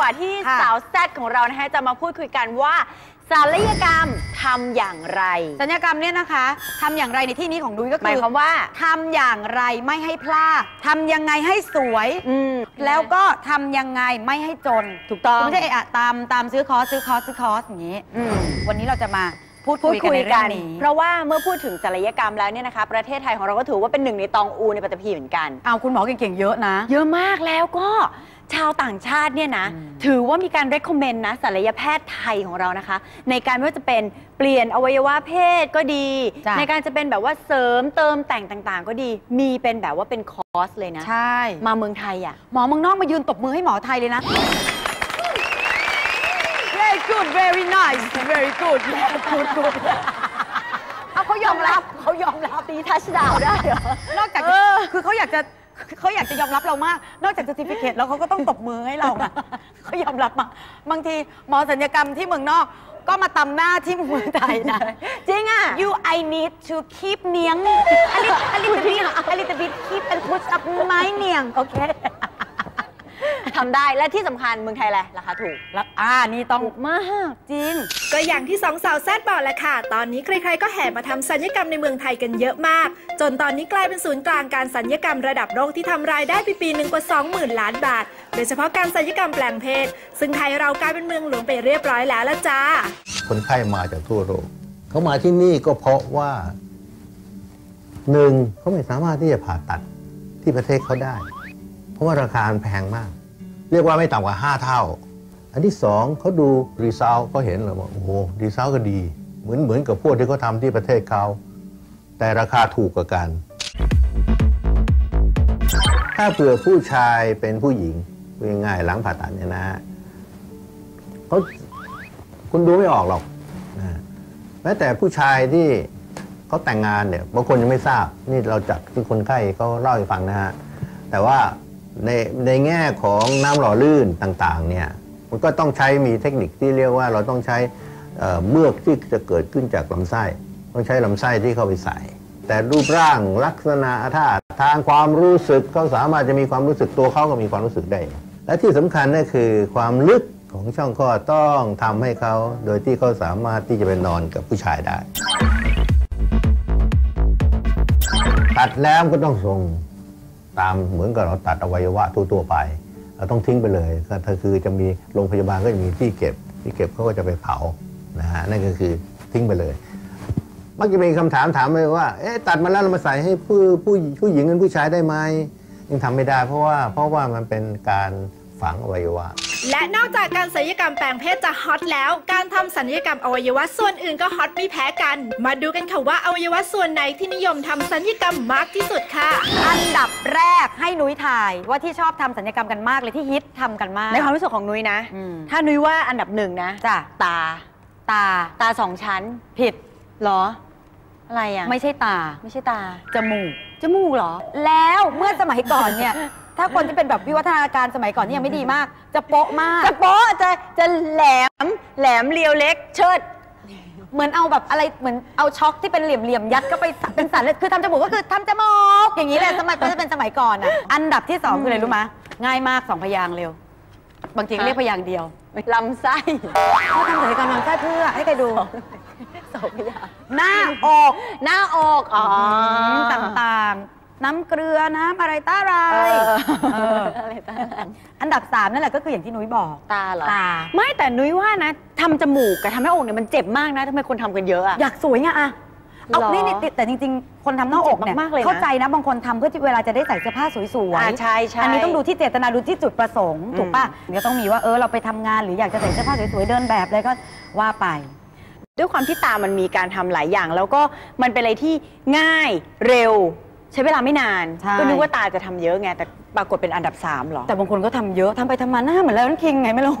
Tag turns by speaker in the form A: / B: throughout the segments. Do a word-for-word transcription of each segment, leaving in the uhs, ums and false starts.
A: ว่าที่สาวแซดของเรานะคะจะมาพูดคุยกันว่าศัลยกรรมทำอย่างไร
B: ศัลยกรรมเนี่ยนะคะทำอย่างไรในที่นี้ของนุ้ยก็คือห
A: มายความว่า
B: ทำอย่างไรไม่ให้พลาดทำยังไงให้สวยแล้วก็ทำยังไงไม่ให้จนถูกต้องไม่ใช่อะตามตามซื้อคอร์สซื้อคอร์สซื้อคอร์สอย่างนี้วันนี้เราจะมาพูดคุยกันในเรื่องนี้
A: เพราะว่าเมื่อพูดถึงศัลยกรรมแล้วเนี่ยนะคะประเทศไทยของเราก็ถือว่าเป็นหนึ่งในตองอูในปัตตภีเหมือนกัน
B: เอาคุณหมอเก่งๆเยอะนะ
A: เยอะมากแล้วก็ชาวต่างชาติเนี่ยนะถือว่ามีการ recommend นะศัลยแพทย์ไทยของเรานะคะในการไม่ว่าจะเป็นเปลี่ยนอวัยวะเพศก็ดีในการจะเป็นแบบว่าเสริมเติมแต่งต่างๆก็ดีมีเป็นแบบว่าเป็นคอร์สเลยนะ
B: ใช่
A: มาเมืองไทยอ่ะ
B: หมอเมืองนอกมายืนตบมือให้หมอไทยเลยนะ very good very nice very good good good เอาเขายอมรับเขายอมรับ
A: ตีทัชดาวได้เหรอน
B: อกจากคือเขาอยากจะเขาอยากจะยอมรับเรามากนอกจาก certificate แล้วเขาก็ต้องตบมือให้เราเขายอมรับมาบางทีหมอศัลยกรรมที่เมืองนอกก็มาตำหน้าที่เมืองไทยนะ
A: จริงอ่ะ
B: you I need to keep เนียง a little a little bit a little bit keep and push up ไม้เนียงโอเค
A: ทำได้และที่สำคัญเมืองไทยแหละราคาถูก
B: แล้วอ่านี่ต้องมากจริง
C: ก็อย่างที่สองสาวแซดบอกแหละค่ะตอนนี้ใครๆก็แห่มาทำศัลยกรรมในเมืองไทยกันเยอะมากจนตอนนี้กลายเป็นศูนย์กลางการศัลยกรรมระดับโลกที่ทำรายได้ปีๆหนึ่งกว่า สองหมื่น ล้านบาทโดยเฉพาะการศัลยกรรมแปลงเพศซึ่งไทยเรากลายเป็นเมืองหลวงไปเรียบร้อยแล้วละจ้า
D: คนไข้มาจากทั่วโลกเขามาที่นี่ก็เพราะว่าหนึ่งเขาไม่สามารถที่จะผ่าตัดที่ประเทศเขาได้เพราะว่าราคาแพงมากเรียกว่าไม่ต่ำกว่าห้าเท่าอันที่สองเขาดูรีซัลเขาเห็นเลยว่าโอ้โหรีซัลก็ดีเหมือนเหมือนกับพวกที่เขาทำที่ประเทศเขาแต่ราคาถูกกว่ากันถ้าเผื่อผู้ชายเป็นผู้หญิงง่ายๆหลังผ่าตัดเนี่ยนะเขาคุณดูไม่ออกหรอกนะแม้แต่ผู้ชายที่เขาแต่งงานเนี่ยบางคนยังไม่ทราบนี่เราจัดที่คนไข้เขาเล่าให้ฟังนะฮะแต่ว่าในในแง่ของน้ำหล่อลื่นต่างๆเนี่ยมันก็ต้องใช้มีเทคนิคที่เรียกว่าเราต้องใช้เมือกที่จะเกิดขึ้นจากลำไส้ต้องใช้ลำไส้ที่เข้าไปใส่แต่รูปร่างลักษณะท่าทางความรู้สึกเขาสามารถจะมีความรู้สึกตัวเขาก็มีความรู้สึกได้และที่สำคัญนั่นคือความลึกของช่องคลอดต้องทำให้เขาโดยที่เขาสามารถที่จะไปนอนกับผู้ชายได้ตัดแล้วก็ต้องทรงตามเหมือนกับเราตัดอวัยวะทั่วๆไปเราต้องทิ้งไปเลยก็คือจะมีโรงพยาบาลก็จะมีที่เก็บที่เก็บเขาก็จะไปเผานะฮะนั่นก็คือทิ้งไปเลยมักจะมีคำถามถามเลยว่าเอ๊ะตัดมาแล้วเรามาใส่ให้ผู้ผู้ผู้หญิงกับผู้ชายได้ไหมยังทำไม่ได้เพราะว่าเพราะว่ามันเป็นการฝังอวัยวะ
C: และนอกจากการศัลยกรรมแปลงเพศจะฮอตแล้วการทำศัลยกรรมอวัยวะส่วนอื่นก็ฮอตไม่แพ้กันมาดูกันค่ะว่าอวัยวะส่วนไหนที่นิยมทำศัลยกรรมมากที่สุดค่ะ
B: อันดับแรกให้นุ้ยถ่ายว่าที่ชอบทำศัลยกรรมกันมากเลยที่ฮิตทำกันมาก
A: ในความรู้สึกของนุ้ยนะถ้านุ้ยว่าอันดับหนึ่งนะ
B: จ้ะ
A: ตา
B: ตา
A: ตาสองชั้น
B: ผิด
A: หรออะไรอ่ะ
B: ไม่ใช่ตา
A: ไม่ใช่ตา
B: จมูก
A: จมูกหรอ
B: แล้วเมื่อสมัยก่อนเนี่ยถ้าคนที่เป็นแบบวิวัฒนาการสมัยก่อนนี่ยังไม่ดีมากจะโป๊ะมาก
A: จะโป๊ะจะจะแหลมแหลมเรียวเล็กเชิด
B: เหมือนเอาแบบอะไรเหมือนเอาช็อคที่เป็นเหลี่ยมๆยัดก็ไปเป็นสันเลยคือทำจมูกก็คือทำจมูกอย่างนี้เลยสมัยก็จะเป็นสมัยก่อนอ่ะอันดับที่สองคืออะไรรู้ไหมง่ายมากสองพยางค์เร็วบางทีเรียกพยางค์เดียว
A: ลำไส้
B: เขาทำศัลยกรรมลำไส้เพื่อให้ใครดู
A: สองพยางค์
B: หน้าอก
A: หน้าอกอ๋อ
B: ต่างๆน้ำเกลือน้ำอะไรต้าไรอันดับสามนั่นแหละก็คืออย่างที่นุ้ยบอก
A: ตาเหรอ
B: ตา
A: ไม่แต่นุ้ยว่านะทำจมูกกับทำหน้าอกเนี่ยมันเจ็บมากนะทำไมคนทำกันเยอะอะ
B: อยากสวยไงอะเอานี่แต่จริงๆคนทำหน้าอกเนี่ยเข้าใจนะบางคนทำเพื่อที่เวลาจะได้ใส่เสื้อผ้าสวย
A: ๆใช่ใช่
B: อันนี้ต้องดูที่เจตนาดูที่จุดประสงค์ถูกป่ะก็ต้องมีว่าเออเราไปทำงานหรืออยากจะใส่เสื้อผ้าสวยๆเดินแบบอะไรก็ว่าไป
A: ด้วยความที่ตามันมีการทำหลายอย่างแล้วก็มันเป็นอะไรที่ง่ายเร็วใช้เวลาไม่นานก็นึกว่าตาจะทำเยอะไงแต่ปรากฏเป็นอันดับสามหรอ
B: แต่บางคนก็ทำเยอะทำไปทำมาหน้าเหมือนแล้วนั่นคิงไงไม่รู้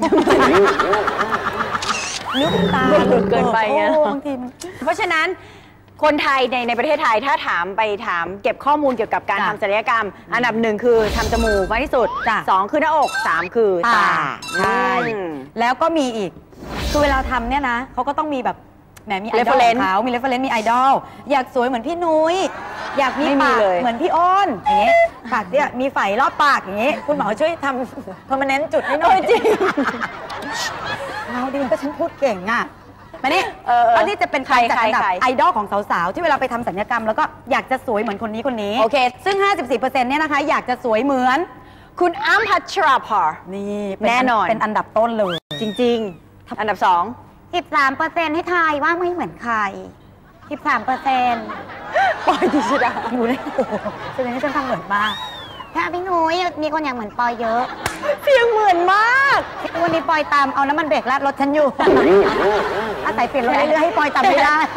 B: นึกตา
A: เกินไปไง
B: บางที
A: เพราะฉะนั้นคนไทยในในประเทศไทยถ้าถามไปถามเก็บข้อมูลเกี่ยวกับการทำศัลยกรรมอันดับหนึ่งคือทำจมูกมากที่สุดสองคือหน้าอกสามคือตา
B: ใช่แล้วก็มีอีกคือเวลาทำเนี่ยนะเขาก็ต้องมีแบบแหมมีไอดอลของเขามีเรฟเฟรนซ์มีไอดอลอยากสวยเหมือนพี่นุ้ยอยากมีปากเหมือนพี่อ้นอย่างเงี้ยปากเนี่ยมีไฝรอบปากอย่างเงี้ยคุณหมอช่วยทำเพอร์มานแนนต์จุดให้หน่อยจริงเอาดีก็ฉันพูดเก่งอ่ะมานี่อันนี้จะเป็นใครจัดอันดับไอดอลของสาวๆที่เวลาไปทำศัลยกรรมแล้วก็อยากจะสวยเหมือนคนนี้คนนี้
A: โอเค
B: ซึ่ง ห้าสิบสี่เปอร์เซ็นต์ เนี่ยนะคะอยากจะสวยเหมือน
A: คุณอ้ำพัชราภร
B: นี่
A: แน่นอน
B: เป็นอันดับต้นเลย
A: จริงๆอันดับสอง
B: สิบสามเปอร์เซ็นต์ ให้ทายว่าไม่เหมือนใคร สิบสามเปอร์เซ็นต์
A: ปอยดิฉัน
B: อยู่ในโอ้โหแสดงว่าฉันทำเหมือนมากถ้าพี่นุ้ยมีคนอยากเหมือนปอยเยอะ
A: เสียงเหมือนมาก
B: วันนี้ปอยตามเอาน้ำมันเบรกราดรถฉันอยู่อาศัยเปลี่ยนรถเรื่อยๆให้ปอยตามไม่ได้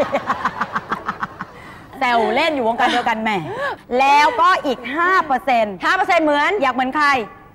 B: แซวเล่นอยู่วงการเดียวกันแม่แล้วก็อีก ห้าเปอร์เซ็นต์
A: ห้าเปอร์เซ็นต์ เหมือน
B: อยากเหมือนใคร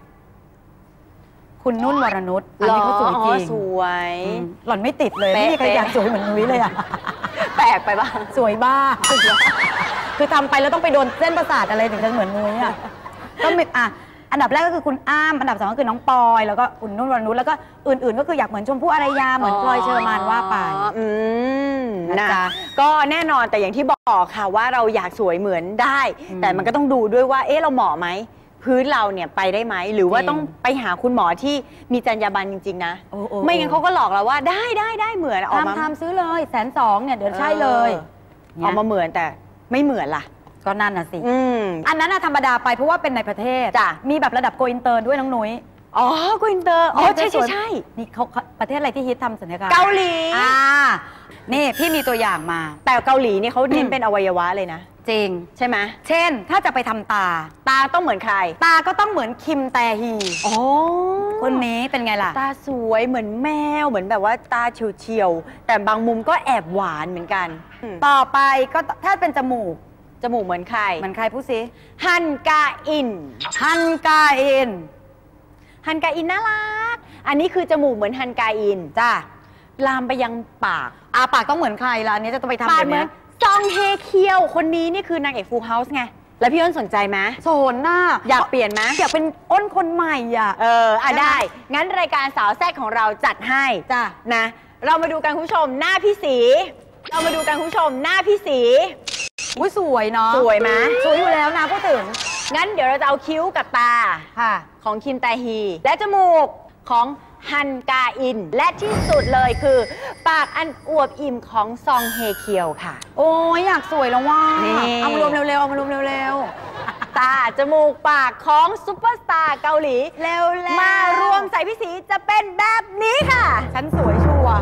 B: คุณนุ่นวรนุชอันนี้เขาสวยจริง
A: สวย
B: หล่อนไม่ติดเลยไม่มีใครอยากสวยเหมือนนุ้ยเลยอะ
A: แปลกไปบ้าง
B: สวยบ้าคือทำไปแล้วต้องไปโดนเส้นประสาทอะไรถึงจะเหมือนนุ้ยอะก็มีอ่ะอันดับแรกก็คือคุณอ้ำอันดับสองก็คือน้องปอยแล้วก็คุณนุ่นวรนุชแล้วก็อื่นๆก็คืออยากเหมือนชมพู่อารยาเหมือนพลอยเชอร์มานว่าไป
A: อืมนะก็แน่นอนแต่อย่างที่บอกค่ะว่าเราอยากสวยเหมือนได้แต่มันก็ต้องดูด้วยว่าเอ๊ะเราเหมาะไหมพื้นเราเนี่ยไปได้ไหมหรือว่าต้องไปหาคุณหมอที่มีจรรยาบรรณจริงๆนะไม่งั้นเขาก็หลอกเราว่าได้ได้ได้เหมือนออกมา
B: ทำซื้อเลยแสนสองเนี่ยเดี๋ยวใช่เลย
A: ออกมาเหมือนแต่ไม่เหมือนล่ะ
B: ก็นั่นน่ะสิอันนั้นน่ะธรรมดาไปเพราะว่าเป็นในประเทศมีแบบระดับโกอินเตอร์ด้วยน้องนุ้ย
A: อ๋อโกอินเตอร์อ๋อใช่ใช่ใช่
B: นี่เขาประเทศอะไรที่ฮิตทำศัลยกรรม
A: เกาหลี
B: อ่านี่พี่มีตัวอย่างมา
A: แต่เกาหลีนี่เขาเน้นเป็นอวัยวะเลยนะ
B: จริง
A: ใช่ไหม
B: เช่นถ้าจะไปทำตา
A: ตาต้องเหมือนใคร
B: ตาก็ต้องเหมือนคิมแตฮี
A: อ๋อ
B: คนนี้เป็นไงล่ะ
A: ตาสวยเหมือนแมวเหมือนแบบว่าตาเฉียวๆแต่บางมุมก็แอบหวานเหมือนกัน
B: ต่อไปก็ถ้าเป็นจมูก
A: จมูกเหมือนใคร
B: เหมือนใครพูดสิ
A: ฮันกาอิน
B: ฮันกาอิน
A: ฮันกาอินน่ารักอันนี้คือจมูกเหมือนฮันกาอิน
B: จ้า
A: ลามไปยังปาก
B: อาปากต้องเหมือนใครล่ะอันนี้จะต้องไปทำแบบนี้
A: ซองเฮเคียวคนนี้นี่คือนางเอกฟูลเฮาส์ไงแล้วพี่อ้นสนใจไหม
B: สนน่ะ
A: อยากเปลี่ยนไหม
B: อยากเป็นอ้นคนใหม่อ่ะ
A: เอออ่ะได้งั้นรายการสาวแซ่บของเราจัดให้
B: จ้ะ
A: นะเรามาดูกันคุณผู้ชมหน้าพี่สีเรามาดูกันคุณผู้ชมหน้าพี่สี
B: อุ้ยสวยเนาะ
A: สวยไหม
B: สวยอยู่แล้วนะพูดถึง
A: งั้นเดี๋ยวเราจะเอาคิ้วกับตา
B: ค่ะ
A: ของคิมแตฮีและจมูกของฮันกาอินและที่สุดเลยคือปากอันอวบอิ่มของซองเฮเคียวค่ะ
B: โอ้ยอยากสวยแล้วว่าเอามารวมเร็วๆเอามารวมเร็ว
A: ๆตาจมูกปากของซุปเปอร์สตาร์เกาหลี
B: เร็วๆ
A: มารวมใส่พี่สีจะเป็นแบบนี้ค่ะ
B: ฉันสวยชัวร์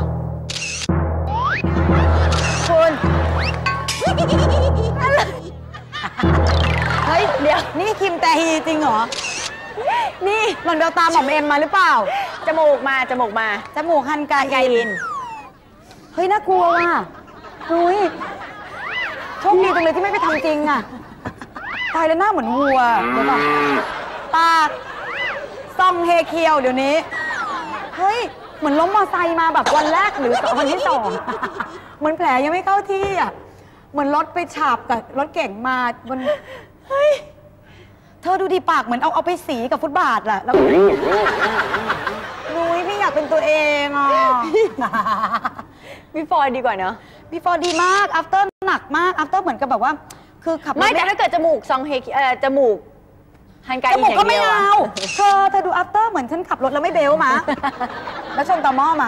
A: คุณ
B: เฮ้ยเดี๋ยวนี่คิมแตฮีจริงเหรอ
A: นี่
B: หล่อนเบลตาหม่อมเอ็มมาหรือเปล่า
A: จมูกมาจมูกมา
B: จมูกฮันกาอินเฮ้ยน่ากลัวว่ะนุ้ยโชคดีจังเลยที่ไม่ไปทำจริงอ่ะตายแล้วหน้าเหมือนวัวเดี๋ยวก่อนปากซองเฮเคียวเดี๋ยวนี้เฮ้ยเหมือนล้มมอไซค์มาแบบวันแรกหรือวันที่สองเหมือนแผลยังไม่เข้าที่อ่ะเหมือนรถไปฉาบกับรถเก่งมาบนเฮ้ยเธอดูดีปากเหมือนเอาเอาไปสีกับฟุตบาทแหละแล้วนุ้ยพี่อยากเป็นตัวเองอ่ะ
A: บีฟอร์ดีกว่าเนอะ
B: บีฟอร์ดีมาก after หนักมาก after เหมือนกับแบบว่าคือขับ
A: ไม่แต่ถ้าเกิดจมูกซองเฮเอ่อจมูกฮันกาอิน
B: อย่างเดียวจมูกก็ไม่เอาเธอเธอดู after เหมือนฉันขับรถแล้วไม่เบลมาแล้วชนต่อหม้อมา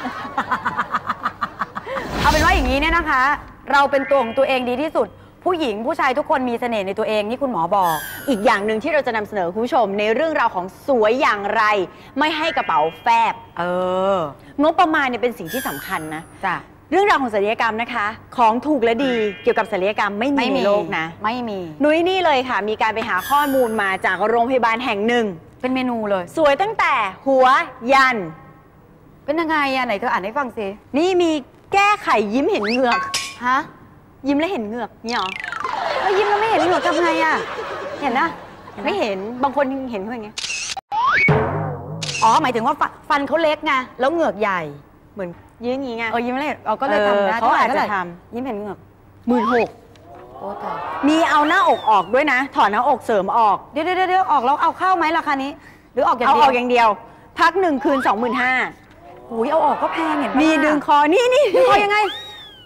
B: เอาเป็นว่าอย่างนี้เนี่ยนะคะเราเป็นตัวของตัวเองดีที่สุดผู้หญิงผู้ชายทุกคนมีเสน่ห์ในตัวเองนี่คุณหมอบอก
A: อีกอย่างหนึ่งที่เราจะนำเสนอคุณผู้ชมในเรื่องราวของสวยอย่างไรไม่ให้กระเป๋าแฟบ
B: เอ
A: องบประมาณเนี่ยเป็นสิ่งที่สำคัญนะ
B: จ้ะ
A: เรื่องราวของศัลยกรรมนะคะของถูกและดีเกี่ยวกับศัลยกรรมไม่มีในโลกนะ
B: ไม่มี
A: นุ้ยนี่เลยค่ะมีการไปหาข้อมูลมาจากโรงพยาบาลแห่งหนึ่ง
B: เป็นเมนูเลย
A: สวยตั้งแต่หัวยัน
B: เป็นยังไงอะไหนเธออ่านให้ฟังสิ
A: นี่มีแก้ไขยิ้มเห็นเหงือก
B: ฮะ
A: ยิ้มแล้วเห็นเหงือกนี่หรอ
B: แล้วยิ้มแล้วไม่เห็นเหงือกทำไงอะเห็นนะ
A: ไม่เห็นบางคนเห็นเขาอย่างเงี้ย
B: อ๋อหมายถึงว่าฟันเขาเล็กไงแล้วเหงือกใหญ่
A: เหมือนยิ้มอย่างงี้ไง
B: เออยิ้มแล้วเราก็เลยทำนะ
A: เขาอาจจะท
B: ำยิ้มเห็นเหงือก
A: หมื่นหก
B: โอ้ตาย
A: มีเอาหน้าอกออกด้วยนะถอนหน้าอกเสริมออก
B: เดี๋ยวเดี๋ยวเดี๋ยวออกแล้วเอาเข้าไหมราคานี้หรือออกอย่าง
A: เดียวเอาออกอย่างเดียวพักหนึ่งคืนสองหมื่นห้า
B: อุ้ยเอาออกก็แพงเห็น
A: มีดึงคอนี่นี่
B: ดึงคอยังไง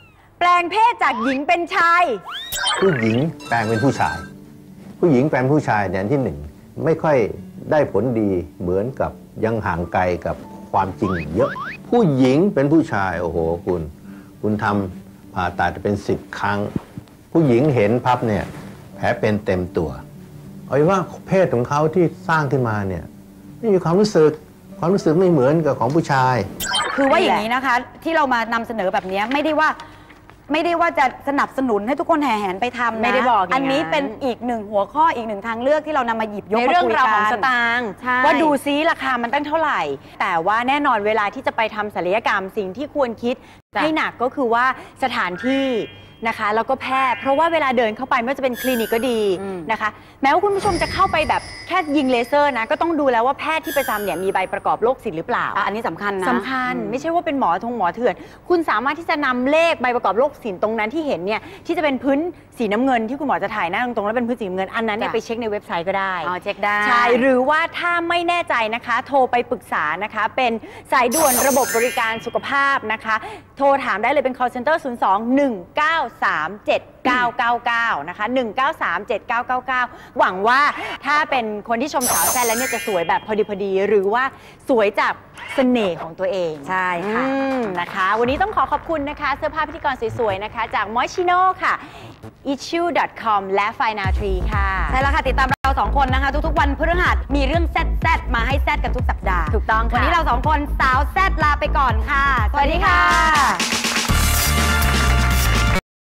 A: ลงเพศจากหญิงเป็นชาย
D: ผู้หญิงแปลงเป็นผู้ชาย ผู้หญิงแปลงผู้ชายเนี่ยที่หนึ่งไม่ค่อยได้ผลดีเหมือนกับยังห่างไกลกับความจริงเยอะผู้หญิงเป็นผู้ชายโอ้โหคุณคุณทำผ่าตัดเป็นสิบครั้งผู้หญิงเห็นพับเนี่ยแผลเป็นเต็มตัวเอาว่าเพศของเขาที่สร้างขึ้นมาเนี่ยไม่มีความรู้สึกความรู้สึกไม่เหมือนกับของผู้ชาย
B: คือว่าอย่างนี้นะคะที่เรามานำเสนอแบบนี้ไม่ได้ว่าไม่ได้ว่าจะสนับสนุนให้ทุกคนแห่แหนไปทำนะ
A: ไม่ได้บอก
B: อันนี้เป็นอีกหนึ่งหัวข้ออีกหนึ่งทางเลือกที่เรานำมาหยิบยก
A: ในเรื่องราวของสตางค์ว่าดูซิราคามันตั้งเท่าไหร่แต่ว่าแน่นอนเวลาที่จะไปทำศัลยกรรมสิ่งที่ควรคิดให้หนักก็คือว่าสถานที่นะคะแล้วก็แพทย์เพราะว่าเวลาเดินเข้าไปไม่ว่าจะเป็นคลินิกก็ดีนะคะแม้ว่าคุณผู้ชมจะเข้าไปแบบแค่ยิงเลเซอร์นะก็ต้องดูแล้วว่าแพทย์ที่ประจำเนี่ยมีใบประกอบโรคศิลป์หรือเปล่า
B: อันนี้สำคัญนะ
A: สำคัญไม่ใช่ว่าเป็นหมอทงหมอเถื่อนคุณสามารถที่จะนำเลขใบประกอบโรคศิลป์ตรงนั้นที่เห็นเนี่ยที่จะเป็นพื้นสีน้ำเงินที่คุณหมอจะถ่ายหน้าตรงๆแล้วเป็นพื้นสีน้ำเงินอันนั้นเนี่ยไปเช็คในเว็บไซต์ก็ได้
B: อ๋อเช็คได้
A: ใช่หรือว่าถ้าไม่แน่ใจนะคะโทรไปปรึกษานะคะเป็นสายด่วนระบบบริการสุขภาพนะคะโทรถามได้เลยเป็น call center ศูนย์ สอง หนึ่ง เก้า สาม เจ็ด เก้า เก้า เก้านะคะหนึ่ง เก้า สาม เจ็ด เก้า เก้า เก้าหวังว่าถ้าเป็นคนที่ชมสาวแซ่บแล้วเนี่ยจะสวยแบบพอดีพอดีหรือว่าสวยจากเสน่ห์ของตัวเอง
B: ใช่ค่ะ
A: นะคะวันนี้ต้องขอขอบคุณนะคะเสื้อผ้าพิธีกรสวยๆนะคะจาก Moschino ค่ะ อิชชู ดอท คอม และ ไฟนาทรี ค่ะ
B: ใช่แล้วค่ะติดตามเราสองคนนะคะทุกๆวันพฤหัสมีเรื่องแซ่ดๆมาให้แซ่ดกันทุกสัปดาห์
A: ถูกต้องค่ะ
B: วันนี้เราสองคนสาวแซ่ดลาไปก่อนค่ะ
A: สวัสดีค่ะ